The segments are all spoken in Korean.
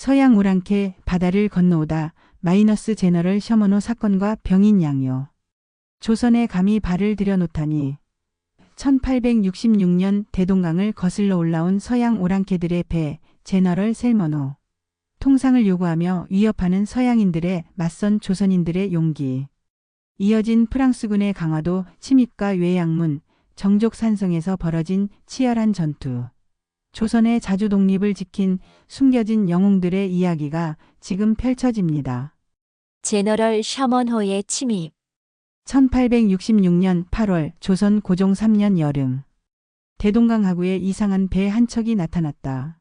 서양 오랑캐 바다를 건너오다 마이너스 제너럴 셔먼호 사건과 병인 양요. 조선에 감히 발을 들여놓다니. 1866년 대동강을 거슬러 올라온 서양 오랑캐들의 배 제너럴 셀머노. 통상을 요구하며 위협하는 서양인들의 맞선 조선인들의 용기. 이어진 프랑스군의 강화도 침입과 외양문, 정족산성에서 벌어진 치열한 전투. 조선의 자주 독립을 지킨 숨겨진 영웅들의 이야기가 지금 펼쳐집니다. 제너럴 셔먼호의 침입. 1866년 8월 조선 고종 3년 여름. 대동강 하구에 이상한 배 한 척이 나타났다.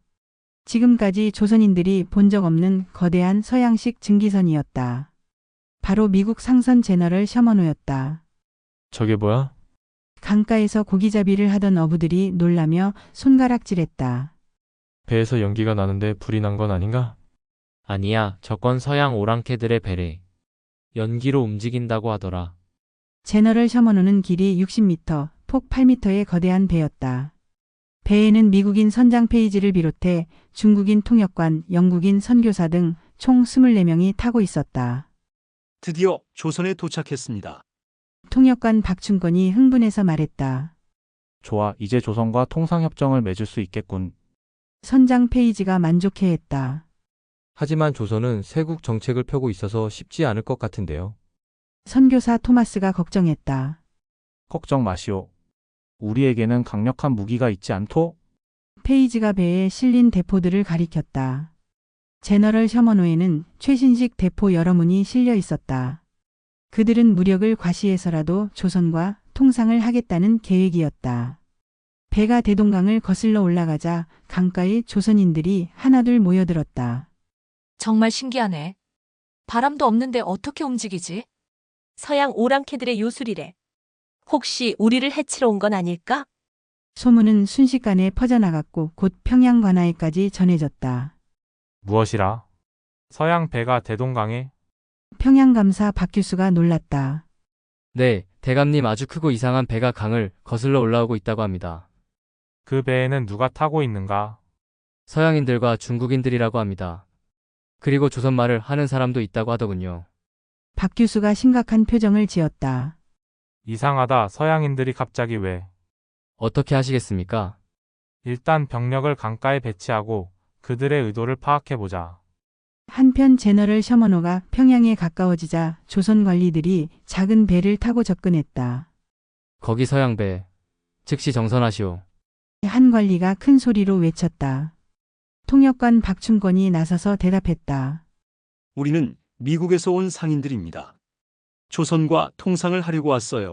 지금까지 조선인들이 본 적 없는 거대한 서양식 증기선이었다. 바로 미국 상선 제너럴 셔먼호였다. 저게 뭐야? 강가에서 고기잡이를 하던 어부들이 놀라며 손가락질했다. 배에서 연기가 나는데 불이 난 건 아닌가? 아니야, 저건 서양 오랑캐들의 배래. 연기로 움직인다고 하더라. 제너럴 셔먼호는 길이 60m, 폭 8m의 거대한 배였다. 배에는 미국인 선장 페이지를 비롯해 중국인 통역관, 영국인 선교사 등 총 24명이 타고 있었다. 드디어 조선에 도착했습니다. 통역관 박춘권이 흥분해서 말했다. 좋아, 이제 조선과 통상협정을 맺을 수 있겠군. 선장 페이지가 만족해했다. 하지만 조선은 세국 정책을 펴고 있어서 쉽지 않을 것 같은데요. 선교사 토마스가 걱정했다. 걱정 마시오. 우리에게는 강력한 무기가 있지 않토? 페이지가 배에 실린 대포들을 가리켰다. 제너럴 셔먼호에는 최신식 대포 여러 문이 실려 있었다. 그들은 무력을 과시해서라도 조선과 통상을 하겠다는 계획이었다. 배가 대동강을 거슬러 올라가자 강가에 조선인들이 하나둘 모여들었다. 정말 신기하네. 바람도 없는데 어떻게 움직이지? 서양 오랑캐들의 요술이래. 혹시 우리를 해치러 온 건 아닐까? 소문은 순식간에 퍼져나갔고 곧 평양 관하에까지 전해졌다. 무엇이라? 서양 배가 대동강에? 평양감사 박규수가 놀랐다. 네, 대감님 아주 크고 이상한 배가 강을 거슬러 올라오고 있다고 합니다. 그 배에는 누가 타고 있는가? 서양인들과 중국인들이라고 합니다. 그리고 조선말을 하는 사람도 있다고 하더군요. 박규수가 심각한 표정을 지었다. 이상하다. 서양인들이 갑자기 왜? 어떻게 하시겠습니까? 일단 병력을 강가에 배치하고 그들의 의도를 파악해보자. 한편 제너럴 셔먼호가 평양에 가까워지자 조선 관리들이 작은 배를 타고 접근했다. 거기 서양 배. 즉시 정선하시오. 한 관리가 큰 소리로 외쳤다. 통역관 박춘권이 나서서 대답했다. 우리는 미국에서 온 상인들입니다. 조선과 통상을 하려고 왔어요.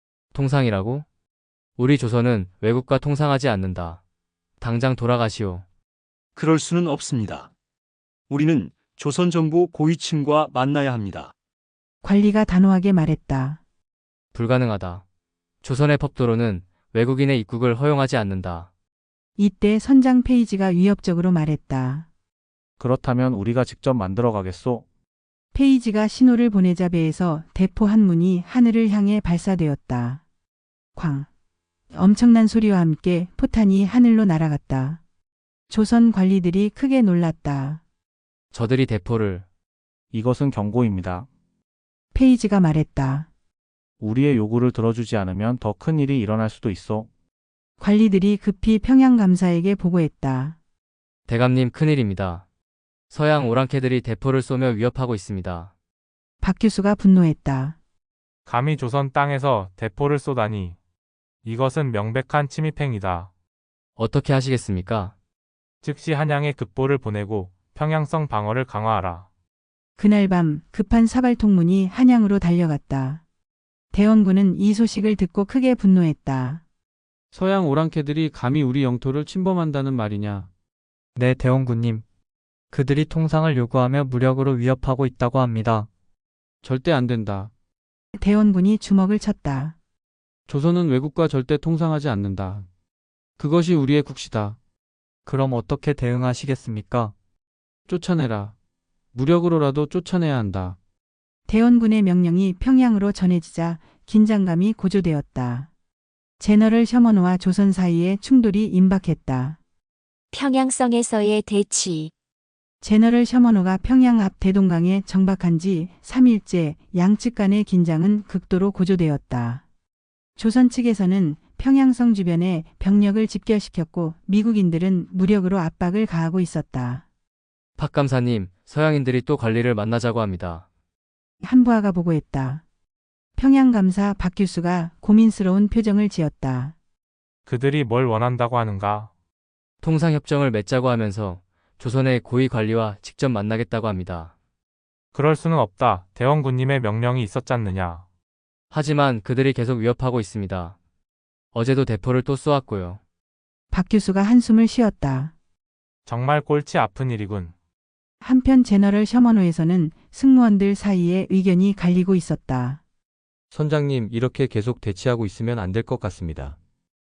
통상이라고? 우리 조선은 외국과 통상하지 않는다. 당장 돌아가시오. 그럴 수는 없습니다. 우리는 조선 정부 고위층과 만나야 합니다. 관리가 단호하게 말했다. 불가능하다. 조선의 법도로는 외국인의 입국을 허용하지 않는다. 이때 선장 페이지가 위협적으로 말했다. 그렇다면 우리가 직접 만들어 가겠소. 페이지가 신호를 보내자 배에서 대포 한 문이 하늘을 향해 발사되었다. 쾅. 엄청난 소리와 함께 포탄이 하늘로 날아갔다. 조선 관리들이 크게 놀랐다. 저들이 대포를. 이것은 경고입니다. 페이지가 말했다. 우리의 요구를 들어주지 않으면 더 큰 일이 일어날 수도 있어. 관리들이 급히 평양감사에게 보고했다. 대감님 큰일입니다. 서양 오랑캐들이 대포를 쏘며 위협하고 있습니다. 박규수가 분노했다. 감히 조선 땅에서 대포를 쏘다니. 이것은 명백한 침입행위다. 어떻게 하시겠습니까? 즉시 한양에 급보를 보내고 평양성 방어를 강화하라. 그날 밤 급한 사발통문이 한양으로 달려갔다. 대원군은 이 소식을 듣고 크게 분노했다. 서양 오랑캐들이 감히 우리 영토를 침범한다는 말이냐? 네, 대원군님. 그들이 통상을 요구하며 무력으로 위협하고 있다고 합니다. 절대 안 된다. 대원군이 주먹을 쳤다. 조선은 외국과 절대 통상하지 않는다. 그것이 우리의 국시다. 그럼 어떻게 대응하시겠습니까? 쫓아내라. 무력으로라도 쫓아내야 한다. 대원군의 명령이 평양으로 전해지자 긴장감이 고조되었다. 제너럴 셔먼호와 조선 사이에 충돌이 임박했다. 평양성에서의 대치. 제너럴 셔먼호가 평양 앞 대동강에 정박한 지 3일째 양측 간의 긴장은 극도로 고조되었다. 조선 측에서는 평양성 주변에 병력을 집결시켰고 미국인들은 무력으로 압박을 가하고 있었다. 박 감사님, 서양인들이 또 관리를 만나자고 합니다. 한부하가 보고했다. 평양감사 박규수가 고민스러운 표정을 지었다. 그들이 뭘 원한다고 하는가? 통상협정을 맺자고 하면서 조선의 고위 관리와 직접 만나겠다고 합니다. 그럴 수는 없다. 대원군님의 명령이 있었잖느냐. 하지만 그들이 계속 위협하고 있습니다. 어제도 대포를 또 쏘았고요. 박규수가 한숨을 쉬었다. 정말 꼴찌 아픈 일이군. 한편 제너럴 셔먼호에서는 승무원들 사이에 의견이 갈리고 있었다. 선장님, 이렇게 계속 대치하고 있으면 안 될 것 같습니다.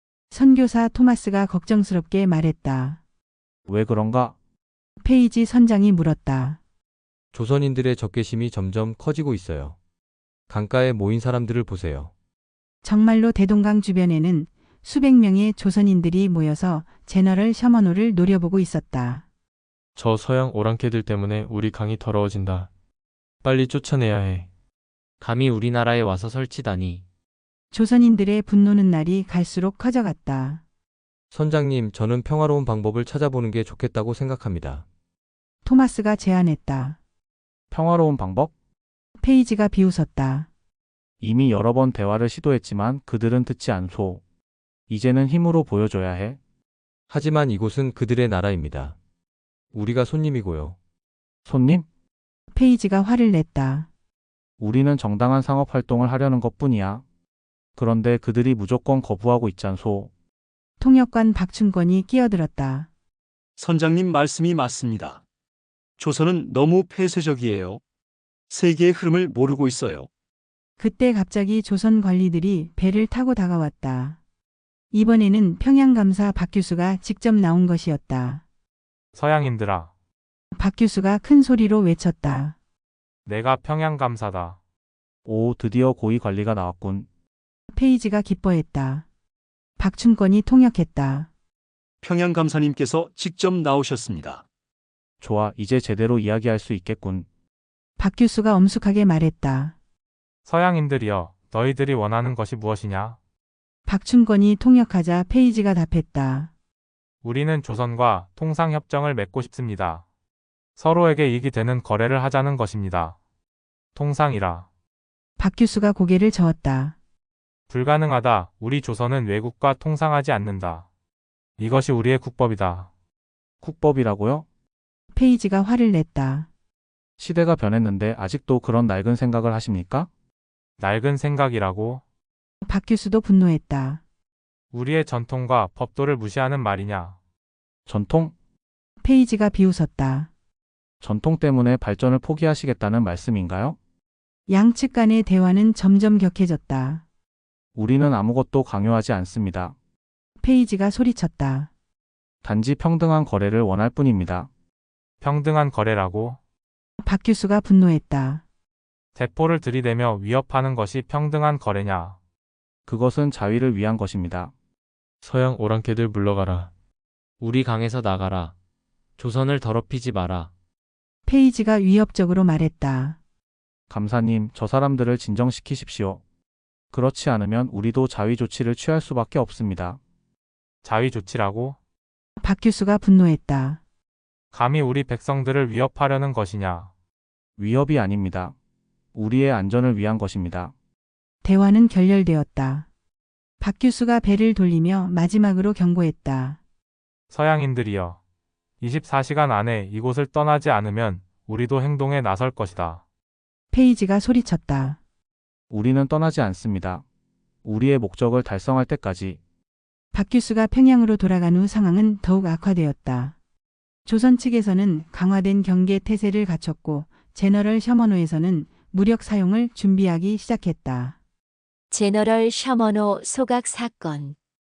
선교사 토마스가 걱정스럽게 말했다. 왜 그런가? 페이지 선장이 물었다. 조선인들의 적개심이 점점 커지고 있어요. 강가에 모인 사람들을 보세요. 정말로 대동강 주변에는 수백 명의 조선인들이 모여서 제너럴 셔먼호를 노려보고 있었다. 저 서양 오랑캐들 때문에 우리 강이 더러워진다. 빨리 쫓아내야 해. 감히 우리나라에 와서 설치다니. 조선인들의 분노는 날이 갈수록 커져갔다. 선장님, 저는 평화로운 방법을 찾아보는 게 좋겠다고 생각합니다. 토마스가 제안했다. 평화로운 방법? 페이지가 비웃었다. 이미 여러 번 대화를 시도했지만 그들은 듣지 않소. 이제는 힘으로 보여줘야 해. 하지만 이곳은 그들의 나라입니다. 우리가 손님이고요. 손님? 페이지가 화를 냈다. 우리는 정당한 상업 활동을 하려는 것뿐이야. 그런데 그들이 무조건 거부하고 있잖소. 통역관 박춘권이 끼어들었다. 선장님 말씀이 맞습니다. 조선은 너무 폐쇄적이에요. 세계의 흐름을 모르고 있어요. 그때 갑자기 조선 관리들이 배를 타고 다가왔다. 이번에는 평양감사 박규수가 직접 나온 것이었다. 서양인들아, 박규수가 큰 소리로 외쳤다. 내가 평양감사다. 오, 드디어 고위 관리가 나왔군. 페이지가 기뻐했다. 박춘권이 통역했다. 평양감사님께서 직접 나오셨습니다. 좋아, 이제 제대로 이야기할 수 있겠군. 박규수가 엄숙하게 말했다. 서양인들이여, 너희들이 원하는 것이 무엇이냐? 박춘권이 통역하자 페이지가 답했다. 우리는 조선과 통상협정을 맺고 싶습니다. 서로에게 이익이 되는 거래를 하자는 것입니다. 통상이라. 박규수가 고개를 저었다. 불가능하다. 우리 조선은 외국과 통상하지 않는다. 이것이 우리의 국법이다. 국법이라고요? 페이지가 화를 냈다. 시대가 변했는데 아직도 그런 낡은 생각을 하십니까? 낡은 생각이라고? 박규수도 분노했다. 우리의 전통과 법도를 무시하는 말이냐? 전통? 페이지가 비웃었다. 전통 때문에 발전을 포기하시겠다는 말씀인가요? 양측 간의 대화는 점점 격해졌다. 우리는 아무것도 강요하지 않습니다. 페이지가 소리쳤다. 단지 평등한 거래를 원할 뿐입니다. 평등한 거래라고? 박규수가 분노했다. 대포를 들이대며 위협하는 것이 평등한 거래냐? 그것은 자위를 위한 것입니다. 서양 오랑캐들 물러가라. 우리 강에서 나가라. 조선을 더럽히지 마라. 페이지가 위협적으로 말했다. 감사님, 저 사람들을 진정시키십시오. 그렇지 않으면 우리도 자위 조치를 취할 수밖에 없습니다. 자위 조치라고? 박규수가 분노했다. 감히 우리 백성들을 위협하려는 것이냐? 위협이 아닙니다. 우리의 안전을 위한 것입니다. 대화는 결렬되었다. 박규수가 배를 돌리며 마지막으로 경고했다. 서양인들이여, 24시간 안에 이곳을 떠나지 않으면 우리도 행동에 나설 것이다. 페이지가 소리쳤다. 우리는 떠나지 않습니다. 우리의 목적을 달성할 때까지. 박규수가 평양으로 돌아간 후 상황은 더욱 악화되었다. 조선 측에서는 강화된 경계 태세를 갖췄고 제너럴 셔먼호에서는 무력 사용을 준비하기 시작했다. 제너럴 셔먼호 소각 사건.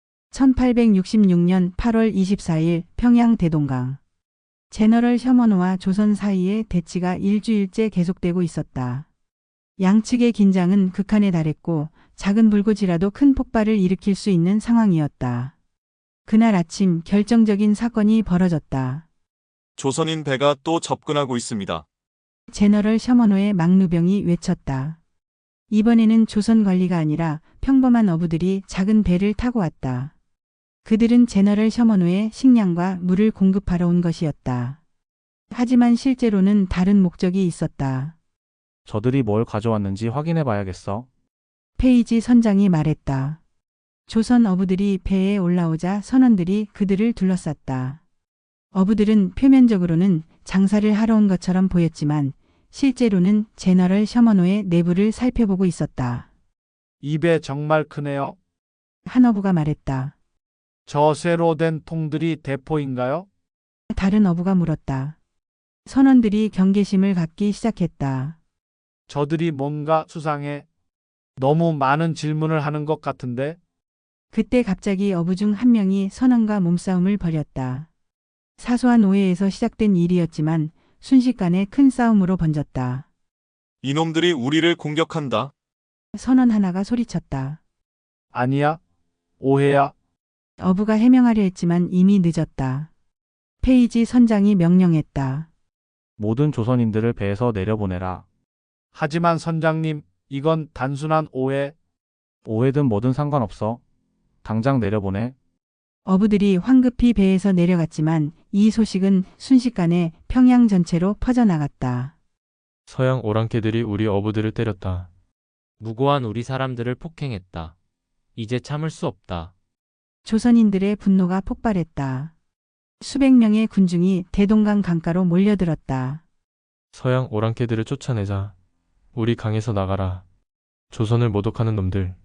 1866년 8월 24일 평양 대동강. 제너럴 셔먼호와 조선 사이의 대치가 일주일째 계속되고 있었다. 양측의 긴장은 극한에 달했고 작은 불꽃이라도 큰 폭발을 일으킬 수 있는 상황이었다. 그날 아침 결정적인 사건이 벌어졌다. 조선인 배가 또 접근하고 있습니다. 제너럴 셔머노의 막루병이 외쳤다. 이번에는 조선 관리가 아니라 평범한 어부들이 작은 배를 타고 왔다. 그들은 제너럴 셔머노의 식량과 물을 공급하러 온 것이었다. 하지만 실제로는 다른 목적이 있었다. 저들이 뭘 가져왔는지 확인해 봐야겠어. 페이지 선장이 말했다. 조선 어부들이 배에 올라오자 선원들이 그들을 둘러쌌다. 어부들은 표면적으로는 장사를 하러 온 것처럼 보였지만 실제로는 제너럴 셔머노의 내부를 살펴보고 있었다. 이 배 정말 크네요. 한 어부가 말했다. 저 쇠로 된 통들이 대포인가요? 다른 어부가 물었다. 선원들이 경계심을 갖기 시작했다. 저들이 뭔가 수상해. 너무 많은 질문을 하는 것 같은데. 그때 갑자기 어부 중 한 명이 선원과 몸싸움을 벌였다. 사소한 오해에서 시작된 일이었지만 순식간에 큰 싸움으로 번졌다. 이놈들이 우리를 공격한다. 선원 하나가 소리쳤다. 아니야. 오해야. 어부가 해명하려 했지만 이미 늦었다. 페이지 선장이 명령했다. 모든 조선인들을 배에서 내려보내라. 하지만 선장님, 이건 단순한 오해. 오해든 뭐든 상관없어. 당장 내려보내. 어부들이 황급히 배에서 내려갔지만 이 소식은 순식간에 평양 전체로 퍼져나갔다. 서양 오랑캐들이 우리 어부들을 때렸다. 무고한 우리 사람들을 폭행했다. 이제 참을 수 없다. 조선인들의 분노가 폭발했다. 수백 명의 군중이 대동강 강가로 몰려들었다. 서양 오랑캐들을 쫓아내자. 우리 강에서 나가라. 조선을 모독하는 놈들.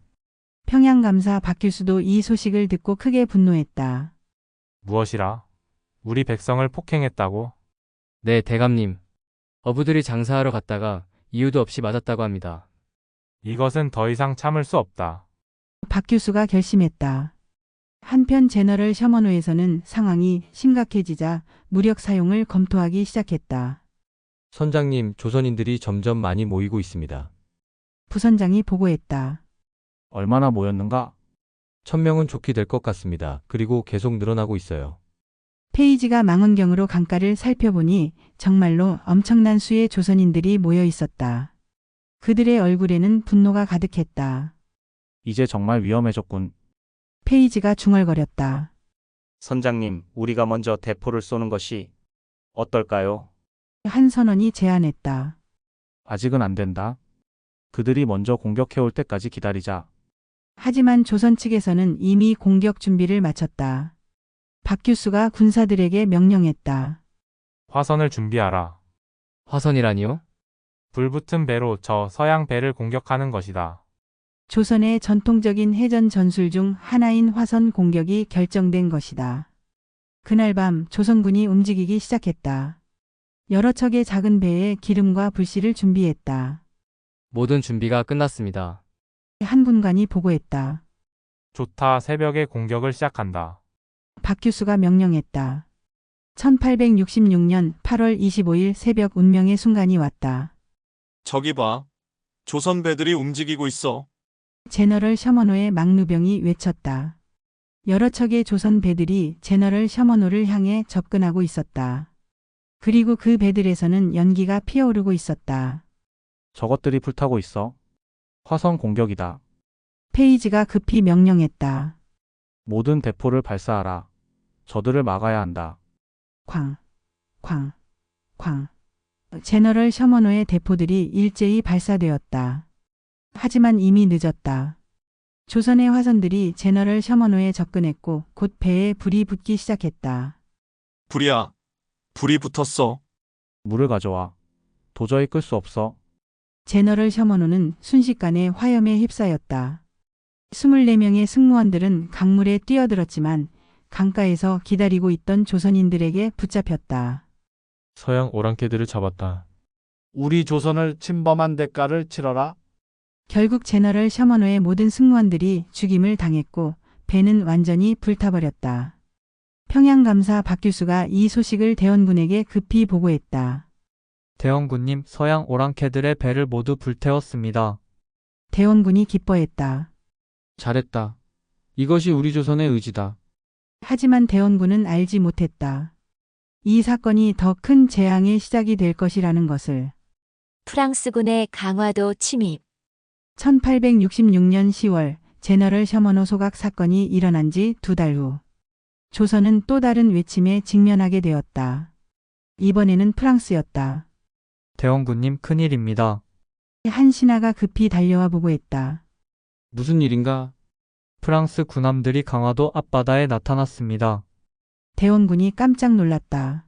평양감사 박규수도 이 소식을 듣고 크게 분노했다. 무엇이라? 우리 백성을 폭행했다고? 네, 대감님. 어부들이 장사하러 갔다가 이유도 없이 맞았다고 합니다. 이것은 더 이상 참을 수 없다. 박규수가 결심했다. 한편 제너럴 셔머노에서는 상황이 심각해지자 무력 사용을 검토하기 시작했다. 선장님, 조선인들이 점점 많이 모이고 있습니다. 부선장이 보고했다. 얼마나 모였는가? 1000명은 좋게 될 것 같습니다. 그리고 계속 늘어나고 있어요. 페이지가 망원경으로 강가를 살펴보니 정말로 엄청난 수의 조선인들이 모여 있었다. 그들의 얼굴에는 분노가 가득했다. 이제 정말 위험해졌군. 페이지가 중얼거렸다. 선장님, 우리가 먼저 대포를 쏘는 것이 어떨까요? 한 선원이 제안했다. 아직은 안 된다. 그들이 먼저 공격해올 때까지 기다리자. 하지만 조선 측에서는 이미 공격 준비를 마쳤다. 박규수가 군사들에게 명령했다. 화선을 준비하라. 화선이라니요? 불붙은 배로 저 서양 배를 공격하는 것이다. 조선의 전통적인 해전 전술 중 하나인 화선 공격이 결정된 것이다. 그날 밤 조선군이 움직이기 시작했다. 여러 척의 작은 배에 기름과 불씨를 준비했다. 모든 준비가 끝났습니다. 한 군관이 보고했다. 좋다. 새벽에 공격을 시작한다. 박규수가 명령했다. 1866년 8월 25일 새벽 운명의 순간이 왔다. 저기 봐. 조선 배들이 움직이고 있어. 제너럴 셔머노의 막루병이 외쳤다. 여러 척의 조선 배들이 제너럴 셔머노를 향해 접근하고 있었다. 그리고 그 배들에서는 연기가 피어오르고 있었다. 저것들이 불타고 있어. 화성 공격이다. 페이지가 급히 명령했다. 모든 대포를 발사하라. 저들을 막아야 한다. 쾅, 쾅, 쾅. 제너럴 셔머노의 대포들이 일제히 발사되었다. 하지만 이미 늦었다. 조선의 화선들이 제너럴 셔머노에 접근했고 곧 배에 불이 붙기 시작했다. 불이야. 불이 붙었어. 물을 가져와. 도저히 끌 수 없어. 제너럴 셔머노는 순식간에 화염에 휩싸였다. 24명의 승무원들은 강물에 뛰어들었지만 강가에서 기다리고 있던 조선인들에게 붙잡혔다. 서양 오랑캐들을 잡았다. 우리 조선을 침범한 대가를 치러라. 결국 제너럴 셔머노의 모든 승무원들이 죽임을 당했고 배는 완전히 불타버렸다. 평양감사 박규수가 이 소식을 대원군에게 급히 보고했다. 대원군님, 서양 오랑캐들의 배를 모두 불태웠습니다. 대원군이 기뻐했다. 잘했다. 이것이 우리 조선의 의지다. 하지만 대원군은 알지 못했다. 이 사건이 더 큰 재앙의 시작이 될 것이라는 것을. 프랑스군의 강화도 침입. 1866년 10월 제너럴 셔먼호 소각 사건이 일어난 지 2달 후 조선은 또 다른 외침에 직면하게 되었다. 이번에는 프랑스였다. 대원군님 큰일입니다. 한 신하가 급히 달려와 보고했다. 무슨 일인가? 프랑스 군함들이 강화도 앞바다에 나타났습니다. 대원군이 깜짝 놀랐다.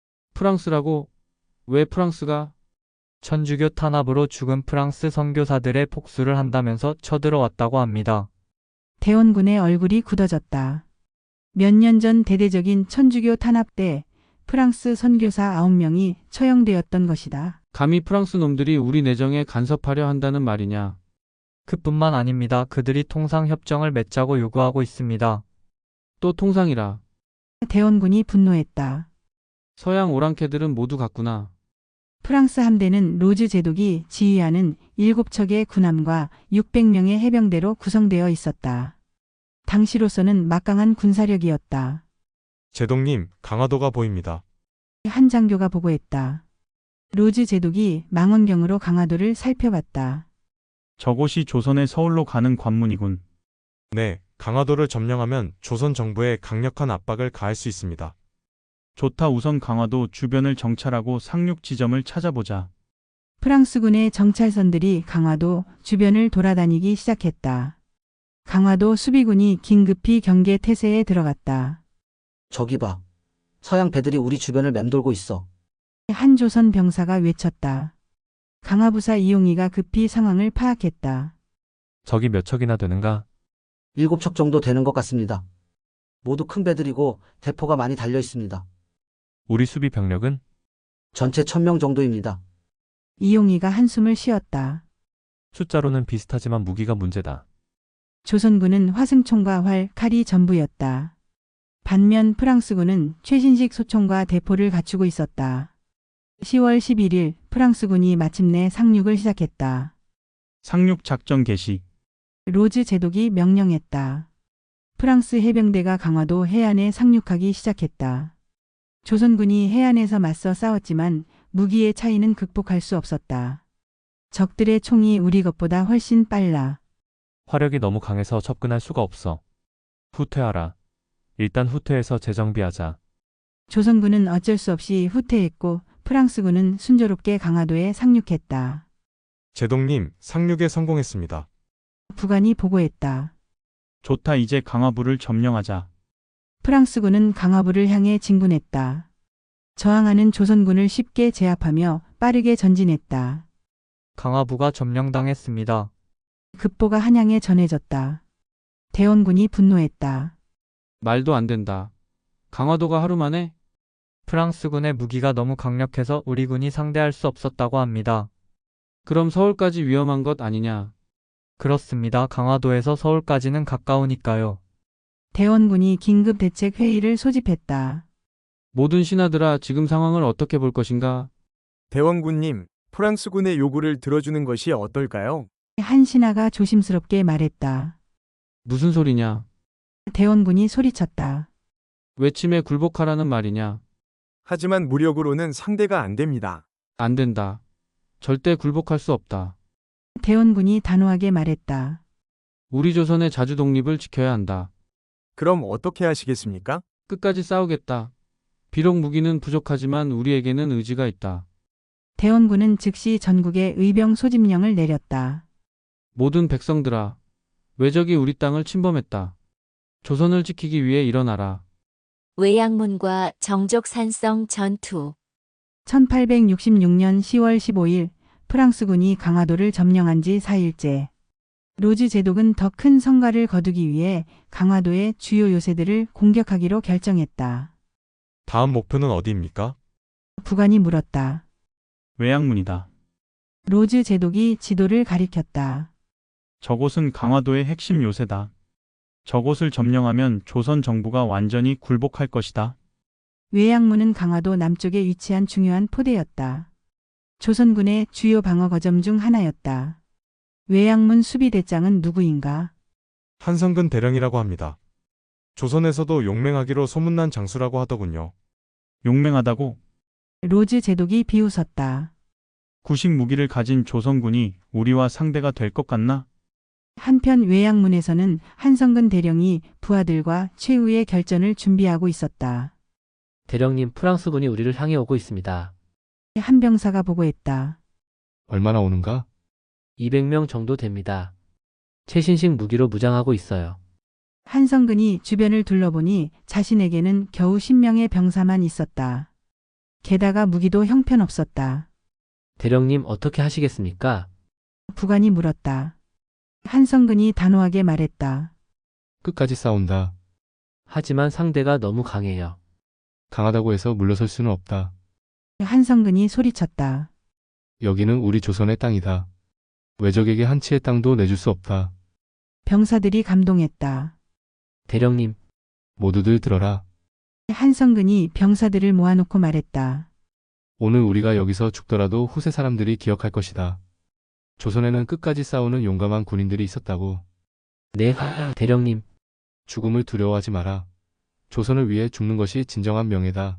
프랑스라고? 왜 프랑스가? 천주교 탄압으로 죽은 프랑스 선교사들의 복수를 한다면서 쳐들어왔다고 합니다. 대원군의 얼굴이 굳어졌다. 몇 년 전 대대적인 천주교 탄압 때 프랑스 선교사 9명이 처형되었던 것이다. 감히 프랑스 놈들이 우리 내정에 간섭하려 한다는 말이냐? 그뿐만 아닙니다. 그들이 통상협정을 맺자고 요구하고 있습니다. 또 통상이라. 대원군이 분노했다. 서양 오랑캐들은 모두 같구나. 프랑스 함대는 로즈 제독이 지휘하는 7척의 군함과 600명의 해병대로 구성되어 있었다. 당시로서는 막강한 군사력이었다. 제독님, 강화도가 보입니다. 한 장교가 보고했다. 로즈 제독이 망원경으로 강화도를 살펴봤다. 저곳이 조선의 서울로 가는 관문이군. 네, 강화도를 점령하면 조선 정부에 강력한 압박을 가할 수 있습니다. 좋다. 우선 강화도 주변을 정찰하고 상륙 지점을 찾아보자. 프랑스군의 정찰선들이 강화도 주변을 돌아다니기 시작했다. 강화도 수비군이 긴급히 경계 태세에 들어갔다. 저기 봐. 서양 배들이 우리 주변을 맴돌고 있어. 한 조선 병사가 외쳤다. 강화부사 이용희가 급히 상황을 파악했다. 적이 몇 척이나 되는가? 7척 정도 되는 것 같습니다. 모두 큰 배들이고 대포가 많이 달려 있습니다. 우리 수비 병력은? 전체 1000명 정도입니다. 이용희가 한숨을 쉬었다. 숫자로는 비슷하지만 무기가 문제다. 조선군은 화승총과 활, 칼이 전부였다. 반면 프랑스군은 최신식 소총과 대포를 갖추고 있었다. 10월 11일 프랑스군이 마침내 상륙을 시작했다. 상륙 작전 개시. 로즈 제독이 명령했다. 프랑스 해병대가 강화도 해안에 상륙하기 시작했다. 조선군이 해안에서 맞서 싸웠지만 무기의 차이는 극복할 수 없었다. 적들의 총이 우리 것보다 훨씬 빨라. 화력이 너무 강해서 접근할 수가 없어. 후퇴하라. 일단 후퇴해서 재정비하자. 조선군은 어쩔 수 없이 후퇴했고 프랑스군은 순조롭게 강화도에 상륙했다. 제독님, 상륙에 성공했습니다. 부관이 보고했다. 좋다. 이제 강화부를 점령하자. 프랑스군은 강화부를 향해 진군했다. 저항하는 조선군을 쉽게 제압하며 빠르게 전진했다. 강화부가 점령당했습니다. 급보가 한양에 전해졌다. 대원군이 분노했다. 말도 안 된다. 강화도가 하루 만에? 프랑스군의 무기가 너무 강력해서 우리 군이 상대할 수 없었다고 합니다. 그럼 서울까지 위험한 것 아니냐? 그렇습니다. 강화도에서 서울까지는 가까우니까요. 대원군이 긴급 대책 회의를 소집했다. 모든 신하들아, 지금 상황을 어떻게 볼 것인가? 대원군님, 프랑스군의 요구를 들어주는 것이 어떨까요? 한 신하가 조심스럽게 말했다. 무슨 소리냐? 대원군이 소리쳤다. 외침에 굴복하라는 말이냐? 하지만 무력으로는 상대가 안 됩니다. 안 된다. 절대 굴복할 수 없다. 대원군이 단호하게 말했다. 우리 조선의 자주 독립을 지켜야 한다. 그럼 어떻게 하시겠습니까? 끝까지 싸우겠다. 비록 무기는 부족하지만 우리에게는 의지가 있다. 대원군은 즉시 전국에 의병 소집령을 내렸다. 모든 백성들아, 외적이 우리 땅을 침범했다. 조선을 지키기 위해 일어나라. 외양문과 정족산성 전투. 1866년 10월 15일 프랑스군이 강화도를 점령한 지 4일째. 로즈 제독은 더 큰 성과를 거두기 위해 강화도의 주요 요새들을 공격하기로 결정했다. 다음 목표는 어디입니까? 부관이 물었다. 외양문이다. 로즈 제독이 지도를 가리켰다. 저곳은 강화도의 핵심 요새다. 저곳을 점령하면 조선 정부가 완전히 굴복할 것이다. 외양문은 강화도 남쪽에 위치한 중요한 포대였다. 조선군의 주요 방어 거점 중 하나였다. 외양문 수비대장은 누구인가? 한성근 대령이라고 합니다. 조선에서도 용맹하기로 소문난 장수라고 하더군요. 용맹하다고? 로즈 제독이 비웃었다. 구식 무기를 가진 조선군이 우리와 상대가 될 것 같나? 한편 외양문에서는 한성근 대령이 부하들과 최후의 결전을 준비하고 있었다. 대령님, 프랑스군이 우리를 향해 오고 있습니다. 한 병사가 보고했다. 얼마나 오는가? 200명 정도 됩니다. 최신식 무기로 무장하고 있어요. 한성근이 주변을 둘러보니 자신에게는 겨우 10명의 병사만 있었다. 게다가 무기도 형편없었다. 대령님, 어떻게 하시겠습니까? 부관이 물었다. 한성근이 단호하게 말했다. 끝까지 싸운다. 하지만 상대가 너무 강해요. 강하다고 해서 물러설 수는 없다. 한성근이 소리쳤다. 여기는 우리 조선의 땅이다. 외적에게 한 치의 땅도 내줄 수 없다. 병사들이 감동했다. 대령님, 모두들 들어라. 한성근이 병사들을 모아놓고 말했다. 오늘 우리가 여기서 죽더라도 후세 사람들이 기억할 것이다. 조선에는 끝까지 싸우는 용감한 군인들이 있었다고. 네, 대령님. 죽음을 두려워하지 마라. 조선을 위해 죽는 것이 진정한 명예다.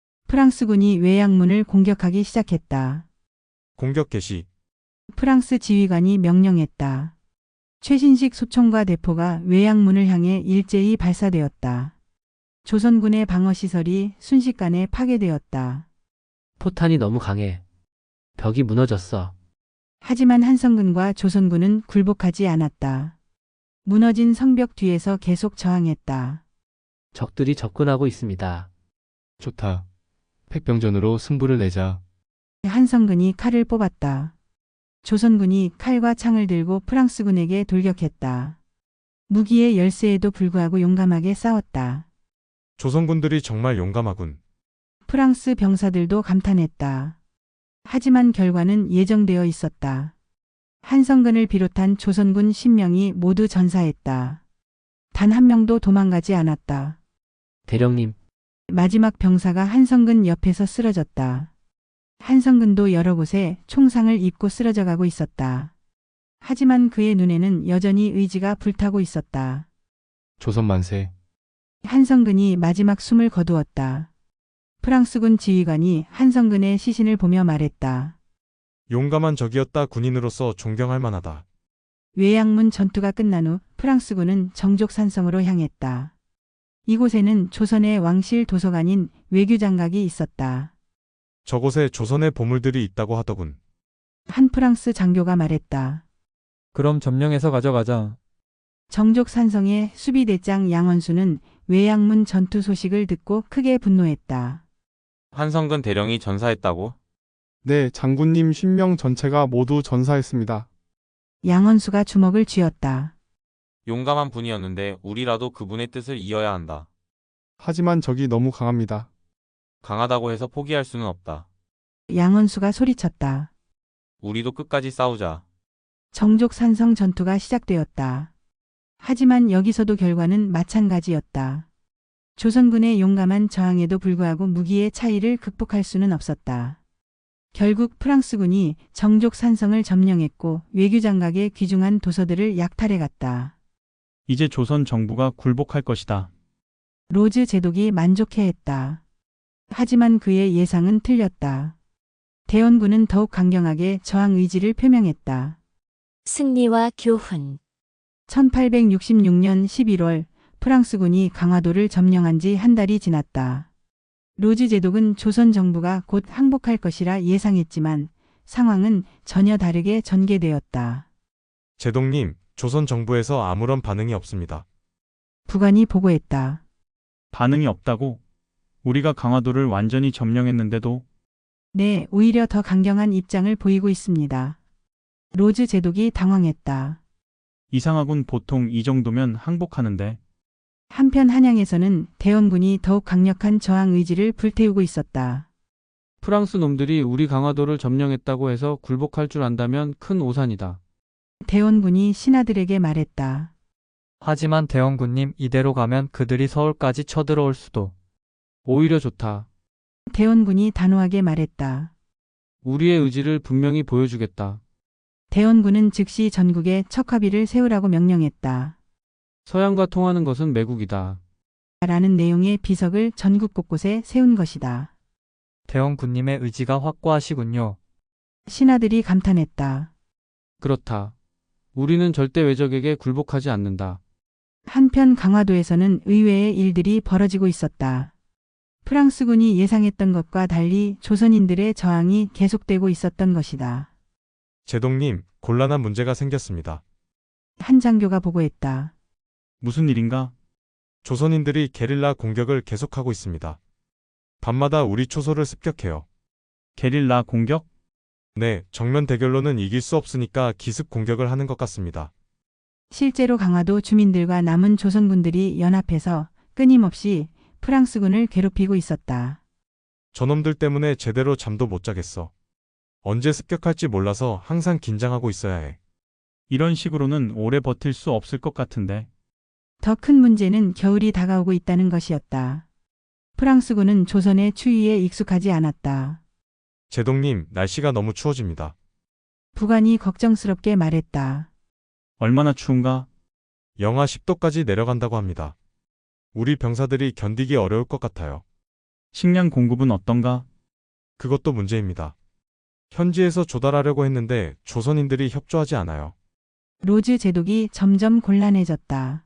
프랑스군이 외양문을 공격하기 시작했다. 공격 개시. 프랑스 지휘관이 명령했다. 최신식 소총과 대포가 외양문을 향해 일제히 발사되었다. 조선군의 방어시설이 순식간에 파괴되었다. 포탄이 너무 강해. 벽이 무너졌어. 하지만 한성근과 조선군은 굴복하지 않았다. 무너진 성벽 뒤에서 계속 저항했다. 적들이 접근하고 있습니다. 좋다. 폐병전으로 승부를 내자. 한성근이 칼을 뽑았다. 조선군이 칼과 창을 들고 프랑스군에게 돌격했다. 무기의 열세에도 불구하고 용감하게 싸웠다. 조선군들이 정말 용감하군. 프랑스 병사들도 감탄했다. 하지만 결과는 예정되어 있었다. 한성근을 비롯한 조선군 10명이 모두 전사했다. 단 한 명도 도망가지 않았다. 대령님, 마지막 병사가 한성근 옆에서 쓰러졌다. 한성근도 여러 곳에 총상을 입고 쓰러져 가고 있었다. 하지만 그의 눈에는 여전히 의지가 불타고 있었다. 조선 만세. 한성근이 마지막 숨을 거두었다. 프랑스군 지휘관이 한성근의 시신을 보며 말했다. 용감한 적이었다. 군인으로서 존경할 만하다. 외양문 전투가 끝난 후 프랑스군은 정족산성으로 향했다. 이곳에는 조선의 왕실 도서관인 외교장각이 있었다. 저곳에 조선의 보물들이 있다고 하더군. 한 프랑스 장교가 말했다. 그럼 점령해서 가져가자. 정족산성의 수비대장 양원수는 외양문 전투 소식을 듣고 크게 분노했다. 한성근 대령이 전사했다고? 네, 장군님 10명 전체가 모두 전사했습니다. 양원수가 주먹을 쥐었다. 용감한 분이었는데 우리라도 그분의 뜻을 이어야 한다. 하지만 적이 너무 강합니다. 강하다고 해서 포기할 수는 없다. 양원수가 소리쳤다. 우리도 끝까지 싸우자. 정족산성 전투가 시작되었다. 하지만 여기서도 결과는 마찬가지였다. 조선군의 용감한 저항에도 불구하고 무기의 차이를 극복할 수는 없었다. 결국 프랑스군이 정족산성을 점령했고 외교장각의 귀중한 도서들을 약탈해갔다. 이제 조선 정부가 굴복할 것이다. 로즈 제독이 만족해했다. 하지만 그의 예상은 틀렸다. 대원군은 더욱 강경하게 저항 의지를 표명했다. 승리와 교훈. 1866년 11월 프랑스군이 강화도를 점령한 지 한 달이 지났다. 로즈 제독은 조선 정부가 곧 항복할 것이라 예상했지만 상황은 전혀 다르게 전개되었다. 제독님, 조선 정부에서 아무런 반응이 없습니다. 부관이 보고했다. 반응이 없다고? 우리가 강화도를 완전히 점령했는데도? 네, 오히려 더 강경한 입장을 보이고 있습니다. 로즈 제독이 당황했다. 이상하군. 보통 이 정도면 항복하는데. 한편 한양에서는 대원군이 더욱 강력한 저항 의지를 불태우고 있었다. 프랑스 놈들이 우리 강화도를 점령했다고 해서 굴복할 줄 안다면 큰 오산이다. 대원군이 신하들에게 말했다. 하지만 대원군님, 이대로 가면 그들이 서울까지 쳐들어올 수도. 오히려 좋다. 대원군이 단호하게 말했다. 우리의 의지를 분명히 보여주겠다. 대원군은 즉시 전국에 척화비를 세우라고 명령했다. 서양과 통하는 것은 매국이다. 라는 내용의 비석을 전국 곳곳에 세운 것이다. 대원군님의 의지가 확고하시군요. 신하들이 감탄했다. 그렇다. 우리는 절대 외적에게 굴복하지 않는다. 한편 강화도에서는 의외의 일들이 벌어지고 있었다. 프랑스군이 예상했던 것과 달리 조선인들의 저항이 계속되고 있었던 것이다. 제동님, 곤란한 문제가 생겼습니다. 한 장교가 보고했다. 무슨 일인가? 조선인들이 게릴라 공격을 계속하고 있습니다. 밤마다 우리 초소를 습격해요. 게릴라 공격? 네, 정면 대결로는 이길 수 없으니까 기습 공격을 하는 것 같습니다. 실제로 강화도 주민들과 남은 조선군들이 연합해서 끊임없이 프랑스군을 괴롭히고 있었다. 저놈들 때문에 제대로 잠도 못 자겠어. 언제 습격할지 몰라서 항상 긴장하고 있어야 해. 이런 식으로는 오래 버틸 수 없을 것 같은데. 더 큰 문제는 겨울이 다가오고 있다는 것이었다. 프랑스군은 조선의 추위에 익숙하지 않았다. 제동님, 날씨가 너무 추워집니다. 부관이 걱정스럽게 말했다. 얼마나 추운가? 영하 10도까지 내려간다고 합니다. 우리 병사들이 견디기 어려울 것 같아요. 식량 공급은 어떤가? 그것도 문제입니다. 현지에서 조달하려고 했는데 조선인들이 협조하지 않아요. 로즈 제독이 점점 곤란해졌다.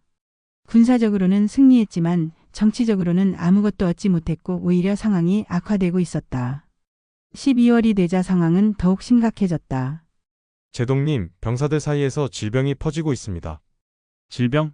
군사적으로는 승리했지만 정치적으로는 아무것도 얻지 못했고 오히려 상황이 악화되고 있었다. 12월이 되자 상황은 더욱 심각해졌다. 제동님, 병사들 사이에서 질병이 퍼지고 있습니다. 질병?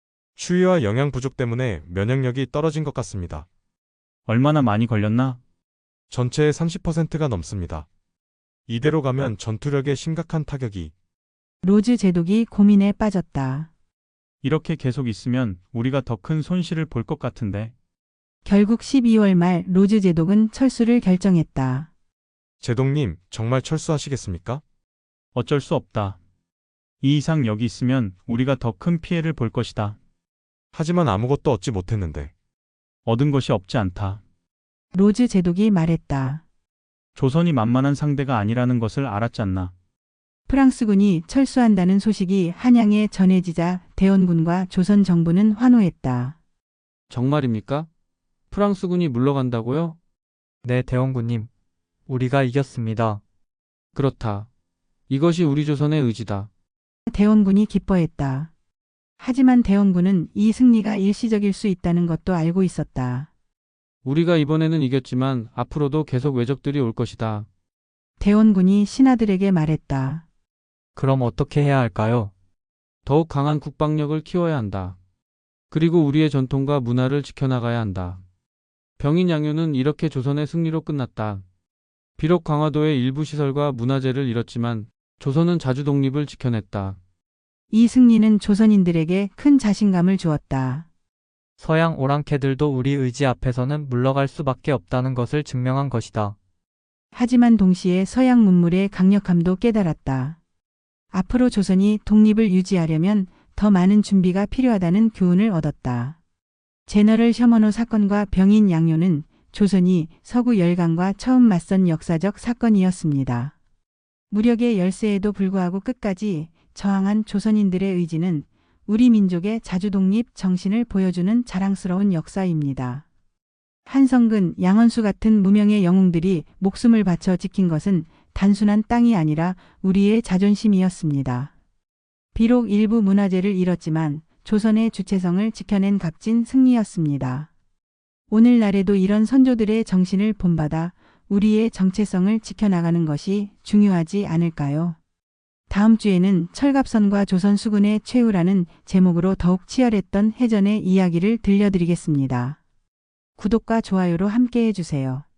추위와 영양 부족 때문에 면역력이 떨어진 것 같습니다. 얼마나 많이 걸렸나? 전체의 30%가 넘습니다. 이대로 가면 전투력에 심각한 타격이. 로즈 제독이 고민에 빠졌다. 이렇게 계속 있으면 우리가 더 큰 손실을 볼 것 같은데. 결국 12월 말 로즈 제독은 철수를 결정했다. 제동님, 정말 철수하시겠습니까? 어쩔 수 없다. 이 이상 여기 있으면 우리가 더 큰 피해를 볼 것이다. 하지만 아무것도 얻지 못했는데. 얻은 것이 없지 않다. 로즈 제독이 말했다. 조선이 만만한 상대가 아니라는 것을 알았잖나. 프랑스군이 철수한다는 소식이 한양에 전해지자 대원군과 조선 정부는 환호했다. 정말입니까? 프랑스군이 물러간다고요? 네, 대원군님. 우리가 이겼습니다. 그렇다. 이것이 우리 조선의 의지다. 대원군이 기뻐했다. 하지만 대원군은 이 승리가 일시적일 수 있다는 것도 알고 있었다. 우리가 이번에는 이겼지만 앞으로도 계속 외적들이 올 것이다. 대원군이 신하들에게 말했다. 그럼 어떻게 해야 할까요? 더욱 강한 국방력을 키워야 한다. 그리고 우리의 전통과 문화를 지켜나가야 한다. 병인 양요는 이렇게 조선의 승리로 끝났다. 비록 강화도의 일부 시설과 문화재를 잃었지만 조선은 자주 독립을 지켜냈다. 이 승리는 조선인들에게 큰 자신감을 주었다. 서양 오랑캐들도 우리 의지 앞에서는 물러갈 수밖에 없다는 것을 증명한 것이다. 하지만 동시에 서양 문물의 강력함도 깨달았다. 앞으로 조선이 독립을 유지하려면 더 많은 준비가 필요하다는 교훈을 얻었다. 제너럴 셔먼호 사건과 병인 양요는 조선이 서구 열강과 처음 맞선 역사적 사건이었습니다. 무력의 열세에도 불구하고 끝까지 저항한 조선인들의 의지는 우리 민족의 자주독립 정신을 보여주는 자랑스러운 역사입니다. 한성근, 양원수 같은 무명의 영웅들이 목숨을 바쳐 지킨 것은 단순한 땅이 아니라 우리의 자존심이었습니다. 비록 일부 문화재를 잃었지만 조선의 주체성을 지켜낸 값진 승리였습니다. 오늘날에도 이런 선조들의 정신을 본받아 우리의 정체성을 지켜나가는 것이 중요하지 않을까요? 다음 주에는 철갑선과 조선 수군의 최후라는 제목으로 더욱 치열했던 해전의 이야기를 들려드리겠습니다. 구독과 좋아요로 함께 해주세요.